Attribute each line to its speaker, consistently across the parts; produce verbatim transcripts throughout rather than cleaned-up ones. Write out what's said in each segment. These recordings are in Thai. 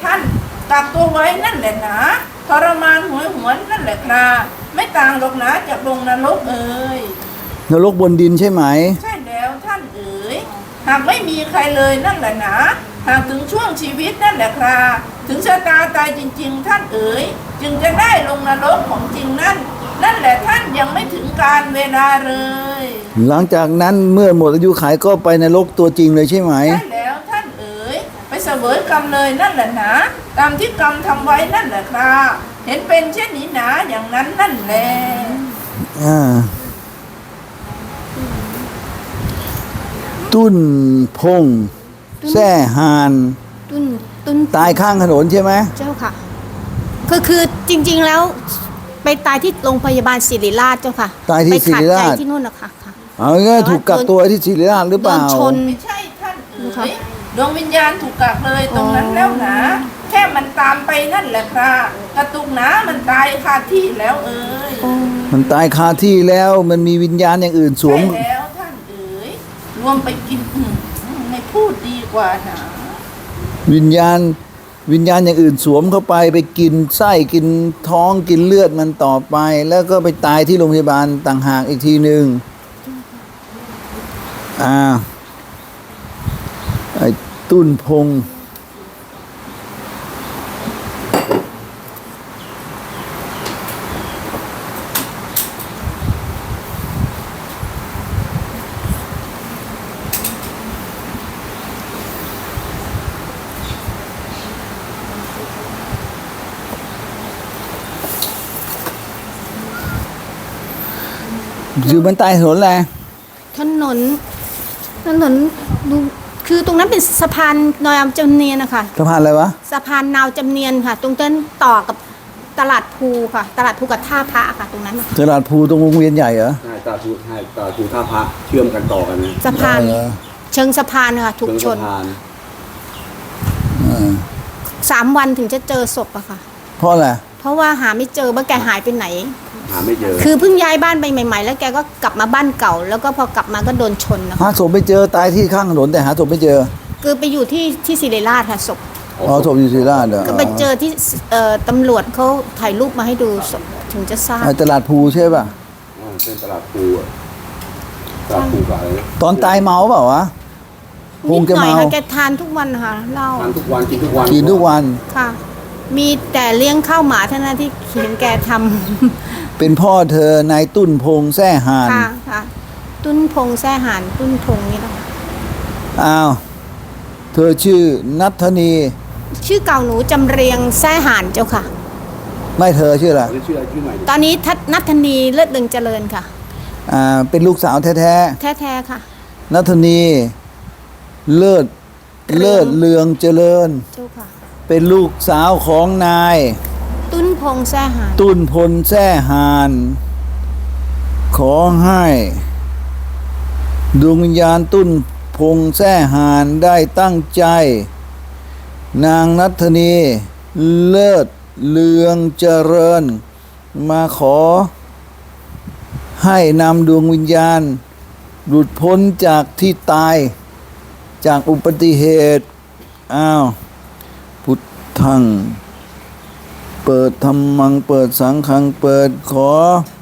Speaker 1: ท่านกักตัวไว้นั่นแหละหนาทรมานหวยหวนนั่นแหละครับไม่ต่างหรอกนะจากลงนรกเอ่ย
Speaker 2: นรกบนดินใช่ไหม
Speaker 1: ใช่แล้วท่านเอ๋ยหากไม่มีใครเลยนั่นแหละหนาหากถึงช่วงชีวิตนั่นแหละครับถึงชะตาตายจริงๆท่านเอ๋ยจึงจะได้ลงนรกของจริงนั่นนั่นแหละท่านยังไม่ถึงการเวลาเลย
Speaker 2: หลังจากนั้นเมื่อหมดอายุขัยก็ไปนรกตัวจริงเลยใช่ไหม
Speaker 1: ใช่แล้วท่านเอ๋ยไปเสวยกรรมเลยนั่นแหละนะตามที่กรรมทำไว้นั่นแหละครับเห็นเป็นเช่นนี้หนาอย่างนั้นนั่นแหละ
Speaker 2: อ่าตุ้นพงแซ่หาน
Speaker 3: ตุ้นตุ้น
Speaker 2: ตายข้างถนนใช่ไหม
Speaker 3: เจ้าค่ะคือคือจริงๆแล้วไปตายที่โรงพยาบาลศิริราชเจ้าค่ะ
Speaker 2: ตายที่ศิริราช
Speaker 3: ที่นู่นนะคะค่ะ
Speaker 2: เอาง่ายถูกกักตัวที่ศิริราชหรือเปล่า
Speaker 1: โดนชนไม่ใช่ท่านเอ๋ยดวงวิญญาณถูกกักเลยตรงนั้นแล้วนะแค่มันตามไปนั่นแหละครับกระตุกหนามันตายคาที่แล้วเอ๋ย
Speaker 2: มันตายคาที่แล้วมันมีวิญญาณอย่างอื่นสวม
Speaker 1: ใช่แล้วท่านเอ๋ยรวมไปกินไม่พูดดีกว่านะ
Speaker 2: วิญญาณวิญญาณอย่างอื่นสวมเข้าไปไปกินไส้กินท้องกินเลือดมันต่อไปแล้วก็ไปตายที่โรงพยาบาลต่างหากอีกทีหนึ่งอ่าไอ้ตุ้นพงอยู่บนใต้ถนนแหละ
Speaker 3: ถนนถนนดูคือตรงนั้นเป็นสะพานนาวจำเนียนนะคะ
Speaker 2: สะพานอะไรวะ
Speaker 3: สะพานนาวจำเนียนค่ะตรงนั้นต่อกับตลาดภูค่ะตลาดภูกับท่าพระค่ะตรงนั้น
Speaker 2: ตลาดภูตรงวงเวียนใหญ่เหรอ
Speaker 4: ใช่ตลาดภูใช่ตลาดภูท่าพระเชื่อมกันต่อกันนะ
Speaker 3: สะพานเชิงสะพานค่ะถูกชนสามวันถึงจะเจอศพอะค่ะ
Speaker 2: เพราะอะไร
Speaker 3: เพราะว่าหาไม่เจอว่าแกหายไปไหน
Speaker 4: หาไม่เจอ
Speaker 3: คือเพิ่งย้ายบ้านไปใหม่ๆแล้วแกก็กลับมาบ้านเก่าแล้วก็พอกลับมาก็โดนชนนะคะ
Speaker 2: หาศพไม่เจอตายที่ข้างถนนแต่หาศพไม่เจอ
Speaker 3: คือไปอยู่ที่ที่ศิริราชค่ะศพ
Speaker 2: อ๋อศพอยู่ศิริราชเหรอ
Speaker 3: ก็ไปเจอที่เอ่อตำรวจเขาถ่ายรูปมาให้ดูศพถึงจะทราบ
Speaker 2: ตลาดภูใช่ป่ะ
Speaker 4: อ๋อเป็นตลาดภูตลาดภูกับอะไร
Speaker 2: ตอนตายเมาเปล่าวะ
Speaker 3: คงจะเมาแกทานทุกวันค่ะเหล้า
Speaker 4: ทานทุกวันกินทุกวัน
Speaker 2: กินทุกวัน
Speaker 3: ค่ะมีแต่เลี้ยงข้าวหมาเท่านั้นที่เห็นแกทำ
Speaker 2: เป็นพ่อเธอนายตุ้นพงแซ่หาน
Speaker 3: ค่ะค่ะตุ้นพงแซ่หานตุ้นพงนี่แหละ
Speaker 2: อ้าวเธอชื่อนัทธนี
Speaker 3: ชื่อเก่าหนูจำเรียงแซ่หานเจ้าค่ะ
Speaker 2: ไม่เธอชื่ออะไร
Speaker 4: ชื่ออะไรชื่อใหม่
Speaker 3: ตอนนี้นัทธนีเลิศดึงเจริญค่ะ
Speaker 2: อ่าเป็นลูกสาวแท้
Speaker 3: แท้แท้ค่ะ
Speaker 2: นัทธนีเลิศเลิศเลืองเจริญ
Speaker 3: เจ้าค่ะ
Speaker 2: เป็นลูกสาวของนาย
Speaker 3: ตุ้นพงแซ่หาน
Speaker 2: ตุ้นพลแซ่หานขอให้ดวงวิญญาณตุ้นพงแซ่หานได้ตั้งใจนางนัทธนีเลิศเลืองเจริญมาขอให้นำดวงวิญญาณหลุดพ้นจากที่ตายจากอุบัติเหตุอ้าวพุทธังเปิดธรรมังเปิดสังฆังเปิดขอ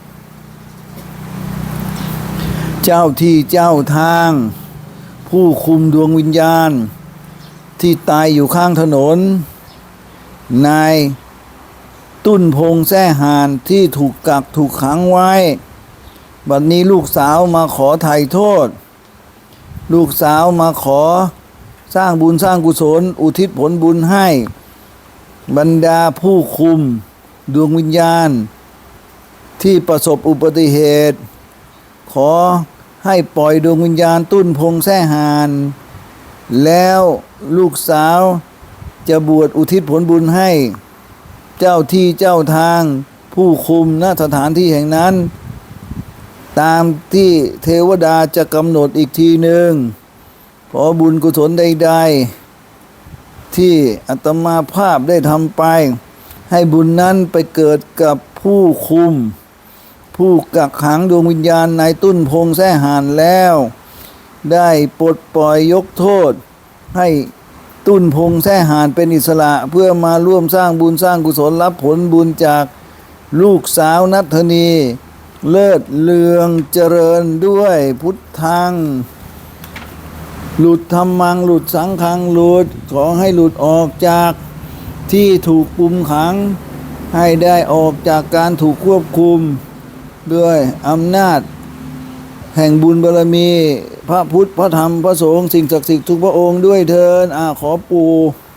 Speaker 2: เจ้าที่เจ้าทางผู้คุมดวงวิญญาณที่ตายอยู่ข้างถนนนายตุ้นพงแซ่หานที่ถูกกักถูกขังไว้บัดนี้ลูกสาวมาขอไถ่โทษลูกสาวมาขอสร้างบุญสร้างกุศลอุทิศผลบุญให้บรรดาผู้คุมดวงวิญญาณที่ประสบอุบัติเหตุขอให้ปล่อยดวงวิญญาณตุ้นพงแซ่หานแล้วลูกสาวจะบวชอุทิศผลบุญให้เจ้าที่เจ้าทางผู้คุมณสถานที่แห่งนั้นตามที่เทวดาจะกำหนดอีกทีหนึ่งขอบุญกุศลใดๆที่อาตมาภาพได้ทำไปให้บุญนั้นไปเกิดกับผู้คุมผู้กักขังดวงวิญญาณนายตุ้นพงแซ่หานแล้วได้ปลดปล่อยยกโทษให้ตุ้นพงแท้หานเป็นอิสระเพื่อมาร่วมสร้างบุญสร้างกุศลรับผลบุญจากลูกสาวนัทธนีเลิศเลืองเจริญด้วยพุทธังหลุดธรรมังหลุดสังฆังหลุดขอให้หลุดออกจากที่ถูกคุมขังให้ได้ออกจากการถูกควบคุมด้วยอำนาจแห่งบุญบารมี พระพุทธพระธรรมพระสงฆ์สิ่งศักดิ์สิทธิ์ทุกพระองค์ด้วยเถิดอาขอปู่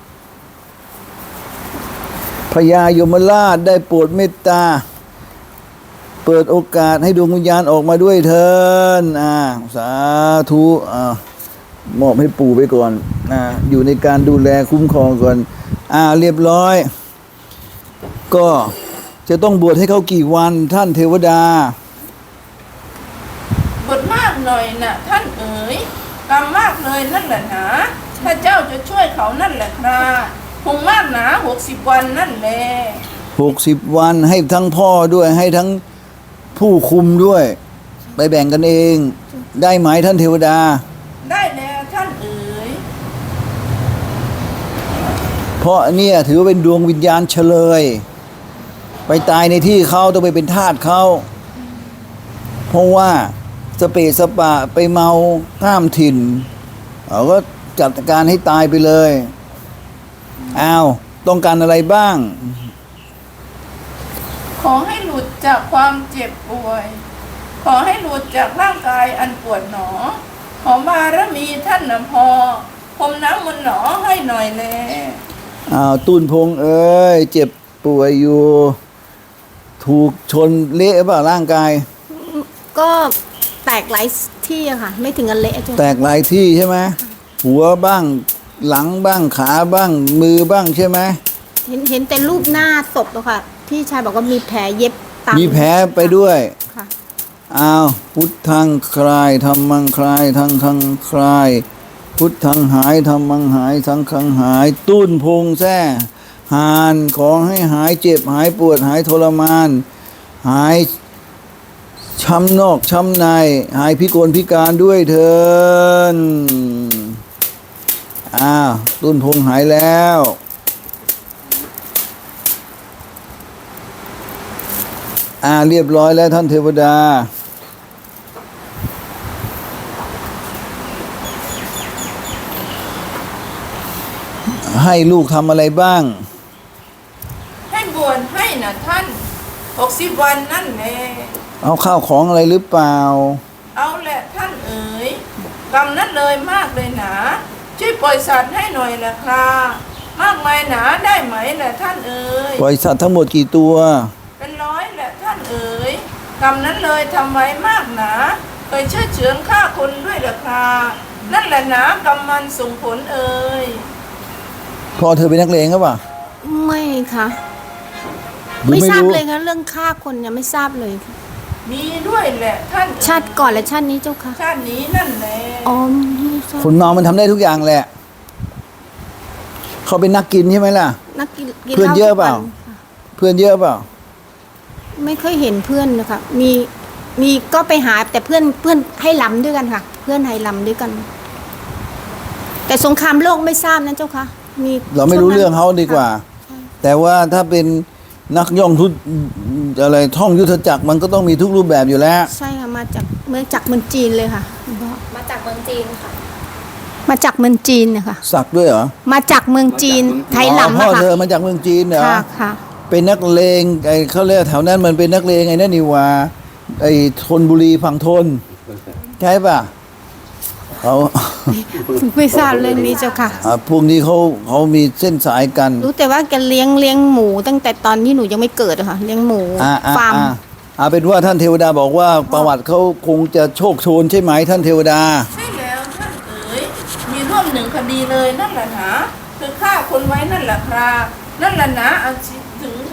Speaker 2: พญายมราชได้โปรดเมตตาเปิดโอกาสให้ดวงวิญญาณออกมาด้วยเถิดอ่าสาธุอ่ามอบให้ปู่ไปก่อนอ่าอยู่ในการดูแลคุ้มครองก่อนอ่าเรียบร้อยก็จะต้องบวชให้เขากี่วันท่านเทวดา
Speaker 1: บทมากหน่อยนะท่านเอ๋ยกรรมมากเลยนั่นแหละหนาถ้าเจ้าจะช่วยเขานั่นแหละครับคงมากหนาหกสิบวันนั่นแหละ
Speaker 2: หกสิบวันให้ทั้งพ่อด้วยให้ทั้งผู้คุมด้วย ไปแบ่งกันเองได้ไหมท่านเทวดา
Speaker 1: ได้แล้วท่านเอ๋ย
Speaker 2: เพราะเนี่ยถือว่าเป็นดวงวิญญาณเฉลยไปตายในที่เขาต้องไปเป็นทาสเขาเพราะว่าสเปสปะไปเมาข้ามถิ่นเขาก็จัดการให้ตายไปเลยอ้าวต้องการอะไรบ้าง
Speaker 1: ขอให้หลุดจากความเจ็บป่วยขอให้หลุดจากร่างกายอันปวดหนอขอบารมีท่านนำพอพรมน้ำมนต์หนอให้หน่อยแล
Speaker 2: อ้าวตุนพงเอ้ยเจ็บป่วยอยู่ถูกชนเละเปล่าร่างกาย
Speaker 3: ก็แตกหลายที่อะค่ะไม่ถึงกันเละจ้ะ
Speaker 2: แตกหลายที่ใช่ไหมหัวบ้างหลังบ้างขาบ้างมือบ้างใช่ไหม
Speaker 3: เห็นเห็นแต่รูปหน้าศพอะค่ะพี่ชายบอกว่ามีแผลเย็บตาม
Speaker 2: มีแผลไปด้วย
Speaker 3: ค่ะ
Speaker 2: อ้าวพุทธังคลายธรรมังคลายทังคังคลายพุทธังหายธรรมังหายสังฆังหายตุ้นพงแท้หานขอให้หายเจ็บหายปวดหายทรมานหายช้ำนอกช้ำในหายพิกลพิการด้วยเถิดอ้าวตุ้นพงหายแล้วอ่าเรียบร้อยแล้วท่านเทวดาให้ลูกทำอะไรบ้าง
Speaker 1: ให้บวชให้นะท่านหกสิบวันนั่นแหละ
Speaker 2: เอาข้าวของอะไรหรือเปล่า
Speaker 1: เอาแหละท่านเอ๋ยกรรมนั้นเลยมากเลยหนาช่วยปล่อยสัตว์ให้หน่อยแหละครับมากมายหนาได้ไหมแหละท่านเอ๋ย
Speaker 2: ปล่อยสัตว์ทั้งหมดกี่ตัว
Speaker 1: เป็นร้อยแหละท่านเอ๋ยกรรมนั้นเลยทำไว้มากหนาเคยเชื่อเฉือนฆ่าคนด้วยแหละครับนั่นแหละหนากรรมมันส่งผลเอ๋ย
Speaker 2: พ่อเธอเป็นนักเลงหรือเปล่า
Speaker 3: ไม่ค่ะไม่ทราบเลยค่ะเรื่องฆ่าคนเนี่ยไม่ทราบเลย
Speaker 1: มีด้วยแหละท่าน
Speaker 3: ชาติก่อนและชาตินี้เจ้าค่ะ
Speaker 1: ชาตินี้นั่นแหละ
Speaker 3: อ๋อ
Speaker 2: คนเมามันทำได้ทุกอย่างแหละเขาเป็นนักกินใช่ไหมล่ะ
Speaker 3: นักกิน
Speaker 2: เพื่อนเยอะเปล่าเพื่อนเยอะเปล่า
Speaker 3: ไม่เคยเห็นเพื่อนนะคะมีมีก็ไปหาแต่เพื่อนเพื่อนให้ลำด้วยกันค่ะเพื่อนให้ลำด้วยกันแต่สงครามโลกไม่ทราบนะเจ้าค่ะมี
Speaker 2: เราไม่รู้เรื่องเขาดีกว่าแต่ว่าถ้าเป็นนักย่องทุอะไรท่องยุทธจักรมันก็ต้องมีทุกรูปแบบอยู่แล้ว
Speaker 3: ใช่ค่ะมาจากเมืองจากเมืองจีนเลยค่ะ
Speaker 5: มาจากเมืองจีนค่ะ
Speaker 3: มาจากเมืองจีนนะคะ
Speaker 2: สักด้วยเหรอ
Speaker 3: มาจากเมืองจีนไทยหลัง
Speaker 2: พ่อเธอมาจากเมืองจีนเหรอ
Speaker 3: ค่ะค่ะ
Speaker 2: เป็นนักเลงไอ้เขาเรียกแถวนั้นมันเป็นนักเลงไอ้นั่นนี่ว่าไอ้ธนบุรีฝั่งธนใช่ป่ะเขา
Speaker 3: ไม่ทราบเรื่องนี้เจ้าค่ะ
Speaker 2: อ่าพวกนี้เขาเขามีเส้นสายกัน
Speaker 3: รู้แต่ว่าแกเลี้ยงเลี้ยงหมูตั้งแต่ตอนที่หนูยังไม่เกิดอะค่ะเลี้ยงหมูฟาร์ม
Speaker 2: อ่าเป็นว่าท่านเทวดาบอกว่าประวัติเขาคงจะโชคโชนใช่ไหมท่านเทวดา
Speaker 1: ใช่แล้วท่านเอ๋ยมีร่วมหนึ่งคดีเลยนั่นแหละนะคือฆ่าคนไว้นั่นแหละครับนั่นแหละนะอาชีถึง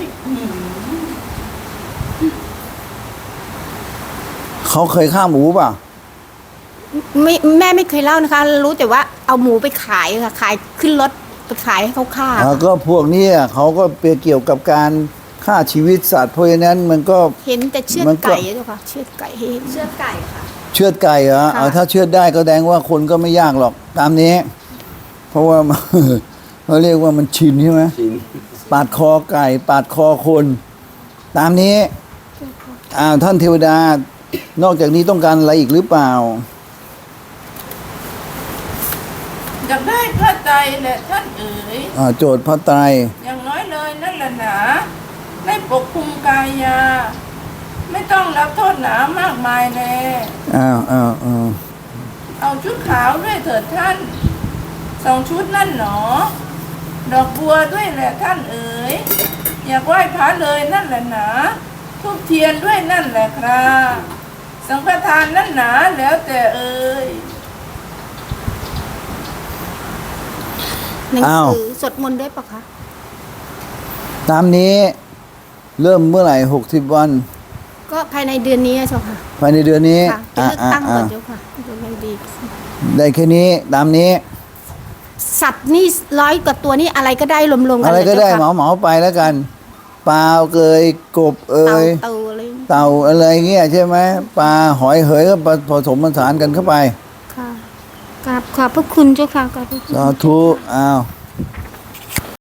Speaker 2: เขาเคยฆ่าหมูป่ะ
Speaker 3: ไม่แม่ไม่เคยเล่านะคะรู้แต่ว่าเอาหมูไปขายค่ะขายขึ้นรถไปขายให้เขาฆ่า
Speaker 2: ก็พวกนี้เขาก็เปเกี่ยวกับการฆ่าชีวิตสัตว์เพราะฉะนั้นมันก็
Speaker 3: เห็นแต่เชือดไก่เจ้าค่ะเชือดไก่เห็น
Speaker 5: เชือดไก่ค่ะ
Speaker 2: เชือดไก่เหรอถ้าเชือดได้ก็แสดงว่าคนก็ไม่ยากหรอกตามนี้เพราะว่า เขาเรียกว่ามันชินใช่ไหม
Speaker 4: ชิน
Speaker 2: ปาดคอไก่ ปาดคอคน ตามนี้อ้าวท่านเทวดา นอกจากนี้ต้องการอะไรอีกหรือเปล่า
Speaker 1: อยากได้พระไตรแหละท่านเอ๋ย
Speaker 2: อ่าโจทย์พระไตร
Speaker 1: อย่างน้อยเลยนั่นแหละหนาได้ปกคุมกายา ไม่ต้องรับโทษหนามากมายแล
Speaker 2: อ้าวอ้าวอ้าว
Speaker 1: เอาชุดขาวด้วยเถิดท่านสองชุดนั่นหนอ ดอกบัวด้วยแหละท่านเอ๋ยอยากไหว้พระเลยนั่นแหละหนาทุบเทียนด้วยนั่นแหละครับสังฆทานนั่นหนาแล้วแต่เอ๋ย
Speaker 3: หนัง
Speaker 2: อ้าว
Speaker 3: สือสวดมนต์ได้ปะคะ
Speaker 2: ตามนี้เริ่มเมื่อไหร่หกสิบวัน
Speaker 3: ก็ภายในเดือนนี้อะเจ้าค่ะ
Speaker 2: ภายในเดือนนี้
Speaker 3: ค่ะจะเลือกตั้งก่อน
Speaker 2: อ่า
Speaker 3: เจ้าค่ะจะไม่ดี
Speaker 2: ได้แค่นี้ตามนี้
Speaker 3: สัตว์นี่ร้อยกว่าตัวนี่อะไรก็ได้รวมๆกั
Speaker 2: อะไร
Speaker 3: เลย
Speaker 2: ก็ได้
Speaker 3: เจ้า
Speaker 2: เหมา
Speaker 3: ค่ะ
Speaker 2: เหมาไปแล้วกันปลาเกยกบเอ่
Speaker 3: เต่าย เต่าอะไร
Speaker 2: เต่าอะไรเงี้ยใช่ไหมปลาหอยเหยก็ผสมผสานกันเข้าไป
Speaker 3: ค่ะกราบขอบพระคุณเจ้าค่ะกราบพระคุณ
Speaker 2: สาธุอ้าว
Speaker 3: ค